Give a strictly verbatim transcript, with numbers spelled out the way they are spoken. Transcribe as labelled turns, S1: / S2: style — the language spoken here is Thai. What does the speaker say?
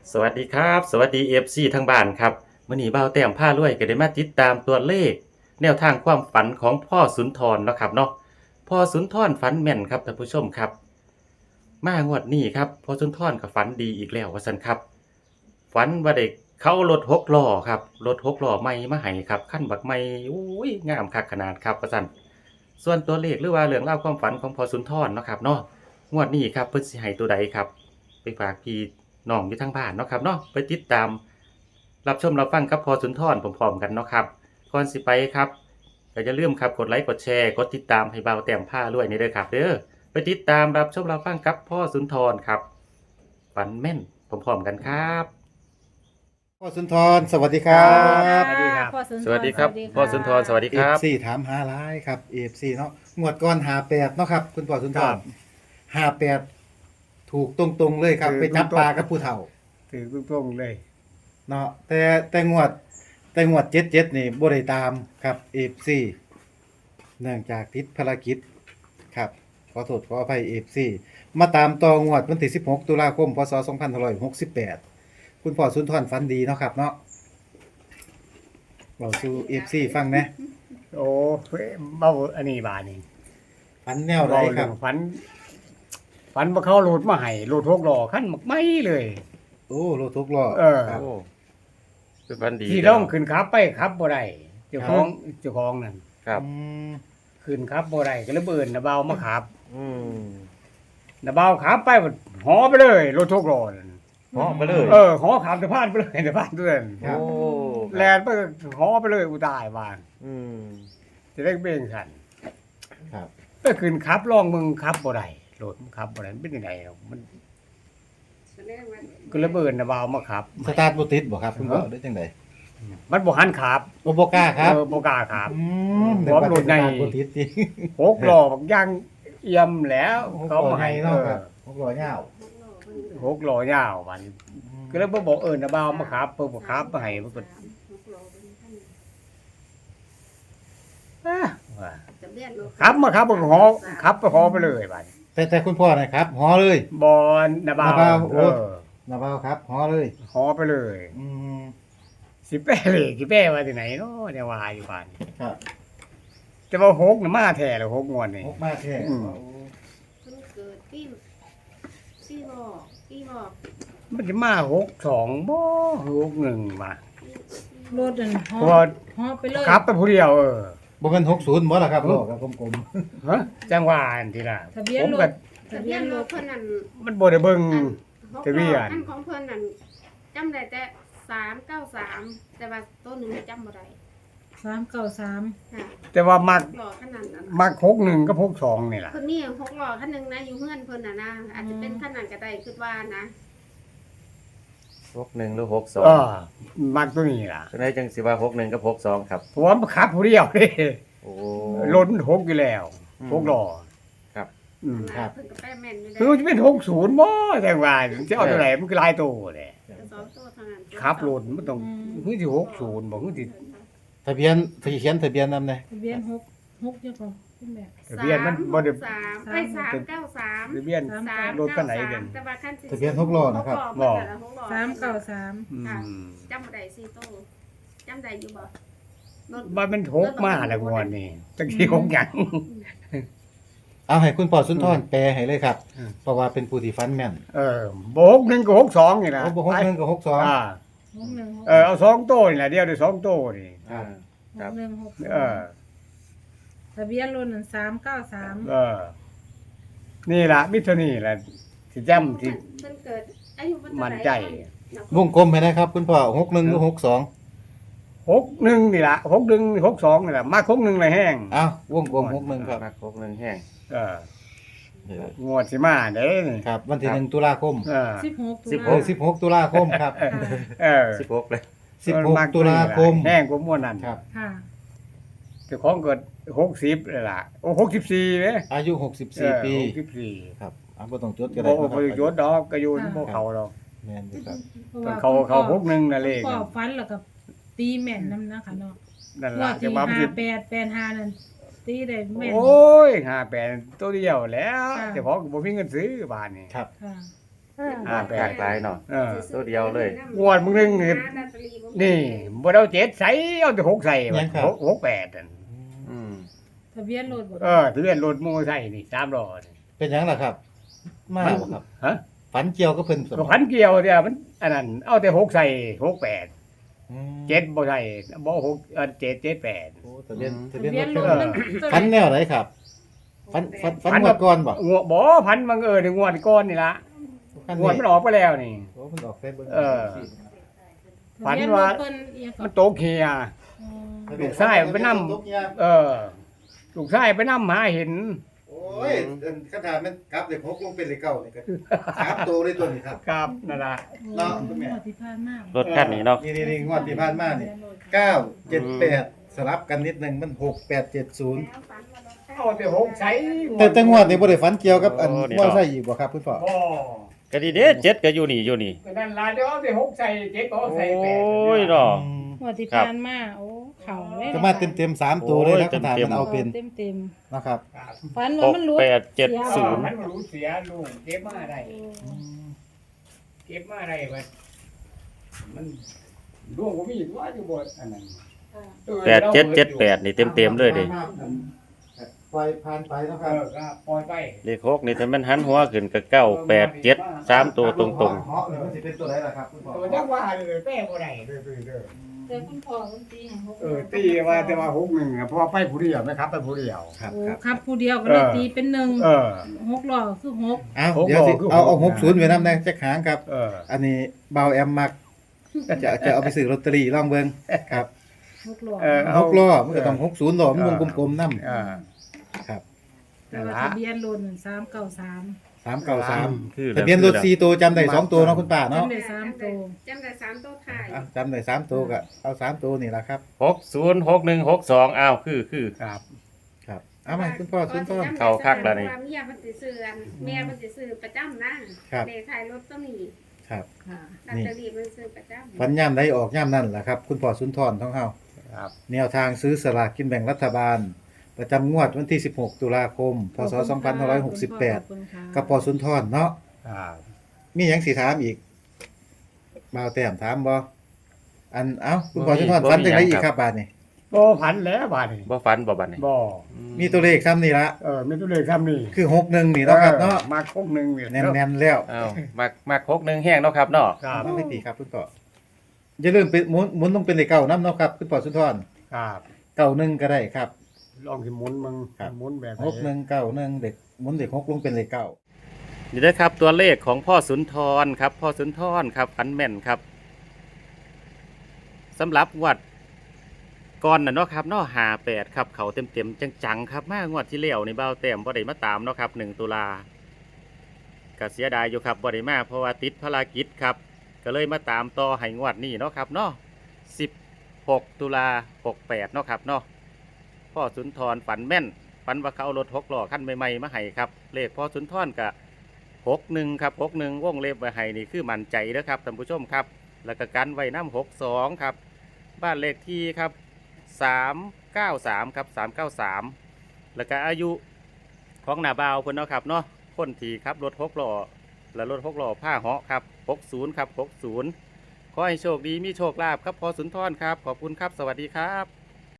S1: สวัสดีครับสวัสดี เอฟ ซี ทางบ้านครับมื้อนี้บ่าวแต้มพารวยก็ได้มาติดตามตัวเลขแนวทางความฝันของพ่อสุนทรเนาะครับเนาะพ่อสุนทรฝันแม่นครับท่านผู้ชมครับมางวดนี้ครับพ่อสุนทรก็ฝันดีอีกแล้วว่าซั่นครับฝันว่าได้เขารถหกล้อครับรถหกล้อใหม่มาให้ครับคันบักใหม่อุ้ยงามคักขนาดครับว่าซั่นส่วนตัวเลขหรือว่าเรื่องราวความฝันของพ่อสุนทรเนาะครับเนาะงวดนี้ครับเพิ่นสิให้ตัวใดครับ ไปฝากพี่น้องอยู่ทางบ้านเนาะครับเนาะไปติดตามรับชมรับฟังกับพอสุนทรพร้อมๆกันเนาะครับก่อนสิไปครับก็อย่าลืมครับกดไลค์กดแชร์กดติดตามให้เบาแต้มผ้าด้วยนี่เด้อครับเด้อไปติดตามรับชมรับฟังกับพ่อสุนทรครับฝันแม่นพร้อมๆกันครับ
S2: พ่อสุนทรสวัสดีครับ
S3: สวัสดีครับ
S4: พ่อสุนทร
S1: สวัสดีครับพ่อสุนทรสวัสดี
S2: เอ
S1: ครั
S2: ฟ
S1: บ
S2: ซีถามหาหลายครับเอฟซีเนาะงวดก่อนหาแปดเนาะครับคุณพ่อสุนท
S3: ครั
S2: ร
S3: บ
S2: หาแปดถูกตรงๆเลยครับ
S3: ถูก
S2: ไปจับ
S3: ตรงๆ
S2: ปลากับผู้เฒ่า
S3: ถือตรงๆเลย
S2: เนาะแต่แต่งวดแต่งวดเจ็ดเจ็ดนี่บ่ได้ตามครับเอฟซีเนื่องจากติดภารกิจครับขอโทษขออภัยเอฟซีมาตามต่องวดวันที่สิบหกตุลาคมพศสองพันห้าร้อยหกสิบแปดคุณพ่อสุนทรฝันดีเนาะครับเนาะเราสู่เอฟซีฟังนะ
S3: โอ้เบ้าอันนี้บานี่
S2: ฝันแนวไรครับ
S3: ฝัน ฝันว่าเขาโหลดมาให้โหลดหกล้อขั้นมักไม่เลย
S2: โอ้รถทุกล้อ
S3: เออ
S2: ครับ
S1: โอ้เป็นฝันดี
S3: ที่ต้องขึ้นขับไปขับบ่ได้เจ้าของเจ้าของนั่น
S1: ครับ
S2: อืม
S3: ขึ้นขับบ่ได้ก็เลยเบิ่นนะเบามาขับ
S1: อืม
S3: นะเบาขับไปหหอไปเลยรถหกล้อนั่น
S1: เหาะไปเลย
S3: เออหอขับสะพานไปเลยสะพานเตือน
S1: โอ้
S3: แลนไปหอไปเลยอุตายบ้าน
S1: อืม
S3: จะได้เบ่งขัน
S2: ครับ
S3: ไปขึ้นขับลองมึงขับบ่ได้รถมันขับบ่ได้มันเป็นยังไงหรอกมันก็ระเบิดนะบ่าวมาขับ
S2: สตาร์ทบ่ติดบ่ครับคุณพ่อได้จังได๋
S3: มันบ่หันขับ
S2: โอบ่กล้าครับ
S3: เออบ่กล้าขับ
S2: อืม
S3: พร้อมรถใน
S2: สตาร์ทบ่ติดจริง
S3: หกล้อบักย่างเอี่ยมแล้วเขามาให้
S2: เนาะ
S3: เอ
S2: ค
S3: อ
S2: รับหกล้อยาว
S3: หกล้อยาวมันก็เลยบ่บอกเอิ้นนะบ่าวมาขับเพิ่นบ่ขับมาให้มันก็อ่ะว่าขับมาขับบ่หอขับไปหอไปเลยบัด
S2: แต่แต่คุณพ่อนะครับหอเลย
S3: บ่นะบ่าว
S2: นะบ่าวโอ้
S3: เออ
S2: นะบ่าวครับหอเลย
S3: หอไปเลย
S2: อืม
S3: สิแป้เลยสิแป้ว่าที่ไหนเนาะเนี่ยว่าอยู่บ้าน
S2: ครับ
S3: แต่ว่าหกน่ะมาแท้แล้วหกงวดนี่
S2: หกมาแท้
S3: อืม
S2: โอ้
S4: เพิ่นเกิดปีปีหอกปีหอก
S3: มันจะมาหกสองบ่หกหนึ่งมา
S4: รถนั่นหอ
S3: เพราะว่า
S4: หอไปเลย
S3: ขับไปผู้เดียวเออ
S2: บ่แม่นหกสิบบ่ล่ะครับล้อกับกลม
S3: ฮะจังหวะอันที่ล่ะ
S4: ทะเบียน
S3: ผม
S4: ร
S3: ก็
S4: ถทะเบียนรถเพิ่นนั่น
S3: มันบ่ได้เบิ่ง
S4: หก
S3: ทะเบียน
S4: อันของเพิ่นนั่นจำได้แต่สามเก้าสามแต่ว่าตัวหนึงจำบ่ได้สามเก้าสามค่ะ
S3: แต่ว่ามัก
S4: หล่อขนาดนั้น
S3: มักหกหนึ่งกับหกสองนี่ล่ะ
S4: เพิ่นมีหกหล่อคันหนึงนะอยู่เฮือนเพิ่นน่ะนะอาจจะเป็นคันนั้นก็ได้คิดว่านะ
S1: หกหนึ่งหรือหกสอง
S3: เออมักตัวนี้ล่ะ
S1: เป็นไงจังสิว่าหกหนึ่งกับหกสองครับ
S3: เพราะว่ามันขับผู้เดียวเด้
S1: โอ้
S3: รถมันหกอยู่แล้ว
S1: อืม
S3: หกล้อ
S1: ครับ
S3: อืม
S4: นะเพิ่นก็แป้แม่นอยู่ได้
S3: คือมันจะเป็นหกศูนย์บ่จังหวะจะเอาตัวไหนมันคือหลายตัวแหละ
S4: แต่สองตัวเท่านั้น
S3: ขับรถมันต้องคือสิหกศูนย์บ่คือสิ
S2: ๆทะเบียนที่เขียนทะเบียนนำได้
S5: ทะเบียนหกหกยังก่อนขึ้นแบบ
S3: ทะเบียนมันบ่ได้
S4: สามไอ้สามเก้าสาม
S3: ทะเบียน
S4: สาม
S3: รถคันไหนเด่น
S4: แต่ว่าคันสิ
S2: ทะเบียนหกล้อนะครับ
S4: บ่
S5: สามเก้าสาม
S3: อืม
S4: จำบ่ได้สี่ตู้จำได้อยู่บ่รถ
S3: มันมันหกมาแล้วงวดนี้จังสิหกหยัง
S2: เอาให้คุณพ่อสุนทรแปลให้เลยครับ
S3: อืม
S2: เพราะว่าเป็นผู้ที่ฟันแม่น
S3: เออบ่หกหนึ่งกับหกสองนี่นะ
S2: โอ้บ่หกหนึ่งกับหกสอง
S3: อ่า
S5: หกหนึ่งหก
S3: เออเอาสองโต้นี่แหละเดียวได้สองโต้นี่
S1: อ่า
S5: หกหนึ่งหก
S3: เออ
S5: ทะเบียนรถนั่นสามเก้าสาม
S3: เออ นี่ล่ะมิตรนี่แหละสิจำที่
S4: เพิ่นเกิดอายุเพิ่นเท่าไหร่
S3: มั่นใจ
S2: วงกลมให้นะครับ คุณพ่อหกหนึ่งหรือหกสอง
S3: หกหนึ่งนี่ล่ะหกหนึ่งหกสองนี่ล่ะมาหกหนึ่งเลยแห้ง
S2: อ้าววงกลมหกหนึ่งครับ
S1: มักหกหนึ่งแห้ง
S3: เอองวดสิมาเด้นี่
S2: ครับ วันที่หนึ่งตุลาคม
S3: เออ
S5: สิบหก
S1: สิบห
S2: โอ้
S1: ก
S2: สิบหกตุลาคมครับ
S3: เออ
S1: สิบหกเลย
S2: สิบหกตุลาคม
S3: แห้งกว่าม่วนนั่น
S2: ครับ
S5: ค่ะ
S3: เจ้าของเกิดหกสิบเลยล่ะโอ้หกสิบสี่เด้
S2: อายุหกสิบสี่ปี
S3: หกสิบสี่
S2: ครับอ่ะบ่ต้องจดก็
S3: บ่
S2: ได้
S3: บ่
S2: นะค
S3: บ่
S2: รับ
S3: ยศดอกก็อยู่บ่เขาดอก
S2: แม่นอยู่ครับ
S5: พระว่
S3: เขาเขา
S5: คุณพ่อ
S3: หกหนึ่งน่ะเลข
S5: คุณพ่อฟันแล้วก็ตีแม่นนำนะคะเนาะ
S3: นั่น
S5: ว่า
S3: ล่ะ
S5: ที่
S3: จะว่ามัน
S5: ห้า
S3: สิ
S5: แปดแปดห้านั่นตีได้แม่น
S3: โอ้ยห้าแปดตัวเดียวแล้ว
S5: ค่ะ
S3: เจ้าของก็บ่มีเงินซื้อบาทนี่
S2: ครับ
S5: ค่ะ
S1: อ่าแปลกหลายเนาะ
S3: เออ
S1: ตัวเดียวเลย
S3: งวดมึงนึงนี่ นี่บ่ได้เอาเจ็ดใส่เอาแต่หกใส่
S2: ยังครับ
S3: หกหกแปดนั่น
S1: อืม
S5: ทะเบียนรถบ่
S3: เออทะเบียนรถมอเตอร์ไซค์นี่สามล้อนี่
S2: เป็นหยังล่ะครับ มาบ่ครับ
S3: ฮะ
S2: ฝันเกี่ยวกับเพิ่นส
S3: ก็พันเกี่ยวเดียวมันอันนั้นเอาแต่หกใส่หกแปด
S2: อืม
S3: เจ็ดบ่ใส่บ่หกเออเจ็ดเจ็ดแปด
S2: โอ้ทะเบียนทะ
S5: ทะ
S2: เบียน
S5: เบี
S2: ร
S5: ยน
S2: ถ
S5: ร
S2: เพิ่
S5: ถ
S2: น
S5: มัน
S2: ฝันแนวไหนครับฝันฝันฝันงวดก่อนบ่
S3: งวดบ่พันบังเอิญงวดก่อนนี่ละ
S2: ฝัน
S3: งวดมันออกไปแล้วนี่
S2: โอ้มันออกไปเบิ่ง
S3: เออ ฝั
S5: ทะ
S3: น
S5: เบียน
S3: ว่า
S5: รถเพิ่นเอียง
S3: มัน
S5: ก็
S3: โตเคีย
S5: อืม
S3: ลูกชายไปนำ เออ ลูกชายไปนำหาเห็น
S2: โอ้ยอันคำถามมันกลับเลขหกลงเป็นเลขเก้านี่ก็สามตัวเลยตัวนี้ครับ
S3: ครับนั่นล่ะ
S2: เนาะคุณแม่
S5: งวดที่ผ่านมาร
S1: ถคันนี้เนาะ
S2: นี่นี่นี่งวดที่ผ่านมานี่เก้าเจ็ดแปดสลับกันนิดนึงมันหกแปดเจ็ดศูนย์
S3: เอาแต่หกใส่
S2: แต่แต่งวดนี่บ่ได้ฝันเกี่ยวกับอัน
S1: โอ้นี่
S2: มอ
S1: เนาะ
S2: ไซค์อีกบ่ครับคุณพ่อ
S3: บ่
S1: ก็ดีเด้เจ็ดก็อยู่นี่อยู่นี่
S3: ก็นั่นล่ะเดี๋ยวเอาแต่หกใส่เจ็ดก็
S1: โอ
S3: เอาใส่แปด้
S1: ยเนาะ
S2: อืม
S5: งวดที่
S1: ครับ
S5: ผ่านมาโอ้เข่าเลย
S2: ก็มาเต็มๆสามตัวเลยนะ
S1: โอ้ย
S2: คำถาม
S1: เต็มๆ
S2: มันเอาเป็น
S5: เต็มเต็ม
S2: นะครับ
S3: ครับ
S5: ๆฝัน
S1: ห
S5: ว่าก มันรู้
S1: แปดเจ็ดศูนย์
S3: มันบ่รู้เสียลูกเก็บมาได้เก็บมาได้บัดมันล่วงบ่มีว่าอยู่บ่อันนั้น
S1: แปดเจ็ดเจ็ดแปดนี่เต็มเต็มๆเลยเดิ
S2: ปล่อยผ่านไปนะค
S3: เอ
S2: รับ
S3: อก็ปล่อยไป
S1: เลขหกนี่ถ้ามันหันหัวขึ้นก็เก้าแปดเจ็ดสามตัวตรง
S2: เหาะนี่มันสิเป็นตัวไหนล่ะครับคุณพ่อ
S3: ตัวจักว่าเลยแป้บ่ได้เด้อเด้อ
S5: แต่คุณพ่อมันตีให้หก
S3: เออตีว่าแต่ว่าหกหนึ่งอะเพราะว่าไปผู้เดียวไหมครับไปผู้เดียว
S2: ครับ
S5: โอ้
S2: ครับ
S5: ครับผู้เดียวก็เลย
S3: เออ
S5: ตีเป็นหนึ่ง
S3: เออ
S5: หกล้อคือหก
S2: เอา
S3: หก
S2: เดี๋ยวสิ
S3: บอกคือ
S2: เอาเอา
S3: ห
S2: ห
S3: ก
S2: กศูนย์ไว้นำแน่จักหางครับ
S3: เออ
S2: อันนี้เบาแอมมัก จะจะเอาไปซื้อลอตเตอรี่ลองเบิ่งครับ
S5: หกล้อ
S3: เออ
S2: หกล้อมันก็ต้องหกศูนย์ล้อมันวงกลมๆนำ
S3: อ่า
S2: ครับ
S5: แต่ว่าทะเบียนรถสามเก้าสาม
S2: สามเก้าสาม
S1: คือ
S2: ทะเบียนรถสี่ตัวจำได้สองตัวเนาะคุณป้าเนาะ
S5: จำได้สามตัว
S4: จำได้สามตัวถ่าย
S2: อ่ะจำได้สามตัวก็เอาสามตัวนี่ล่ะครับ
S1: หกศูนย์หกหนึ่งหกสองอ้าวคือคือ
S3: ครับ
S2: ครับเอามาคุณพ่อคุณพ่อ
S1: เข้าคักแล้วนี่
S4: ว่าเมียเพิ่นสิซื้ออันเมียเพิ่นสิซื้อประจำนะครับ เลขท้ายรถต้องมี
S2: ครับ
S5: ค่ะ
S4: ลอตเตอรี่เพิ่นซื้อประจำ
S2: ฟันย่ำได้ออกย่ำนั่นแหละครับ คุณพ่อสุนทรท้องเฮา
S3: ครับ
S2: แนวทางซื้อสลากกินแบ่งรัฐบาล ประจำงวดวันที่ สิบหก ตุลาคม พศ สองพันห้าร้อยหกสิบแปด กับพ่อสุนทรเนาะ
S3: ครับ
S2: มีหยังสิถามอีกบ่าวแต้มถามบ่อันเอ้าคุณพ่อสุนทร
S1: บ่มี
S2: ฝันจังได
S1: หยัง
S2: อีก
S1: ครับ
S2: ครับบาดนี้
S3: บ่พันแล้วบาดนี้
S1: บ่ฟันบ่บัดนี่
S3: บ่
S2: มีตัวเลขซ้ำนี่ละ
S3: เออมีตัวเลขคำนี้
S2: คือหกหนึ่งนี่เนาะครับเนาะ
S3: ออมาครบหนึ่งเนี่ย
S2: แน่นๆแล้ว
S1: อ้าวมักมักหกหนึ่งแห้งเนาะครับเนาะ
S3: ครับ
S2: มันไม่ตีครับคุณพ่ออย่าลืมเป็นหมุนหมุนต้องเป็นเลขเก้านํเนาะครับคุณพ่อสุนทร
S3: ครับ
S2: เก้าหนึ่งก็ได้ครับ
S3: ลองสิหมุนมึง
S2: ครับ
S3: หมุนแบบไห
S2: หกหนึ่งเก้าหนึ่งเด็กหมุนเด็กหกลงเป็นเลขเก้า
S1: นี่เด้อครับตัวเลขของพ่อสุนทรครับ พ่อสุนทรครับฟันแม่นครับสำหรับงวดก่อนน่ะเนาะครับเนาะห้าแปดครับเขาเต็มๆจังๆครับมางวดที่แล้วนี่เบาแต้มบ่ได้มาตามเนาะครับหนึ่งตุลาก็เสียดายอยู่ครับบ่ได้มาเพราะว่าติดภารกิจครับก็เลยมาตามต่อให้งวดนี้เนาะครับเนาะสิบหกตุลาหกแปดเนาะครับเนาะพ่อสุนทรฝันแม่นฝันว่าเขาเอารถหกล้อคันใหม่ๆมาให้ครับเลขพ่อสุนทรกับหกหนึ่งครับหกหนึ่งวงเล็บไว้ให้นี่คือมั่นใจเด้อครับท่านผู้ชมครับแล้วก็กันไว้น้ำหกสองครับบ้านเลขที่ครับสามเก้าสามครับสามเก้าสามแล้วก็อายุของหน้าบ่าวเพิ่นเนาะครับเนาะคนที่ครับรถหกล้อและรถหกล้อผ้าเหาะครับหกศูนย์ครับหกศูนย์ขอให้โชคดีมีโชคลาภครับพอสุนทรครับขอบคุณครับสวัสดีครับ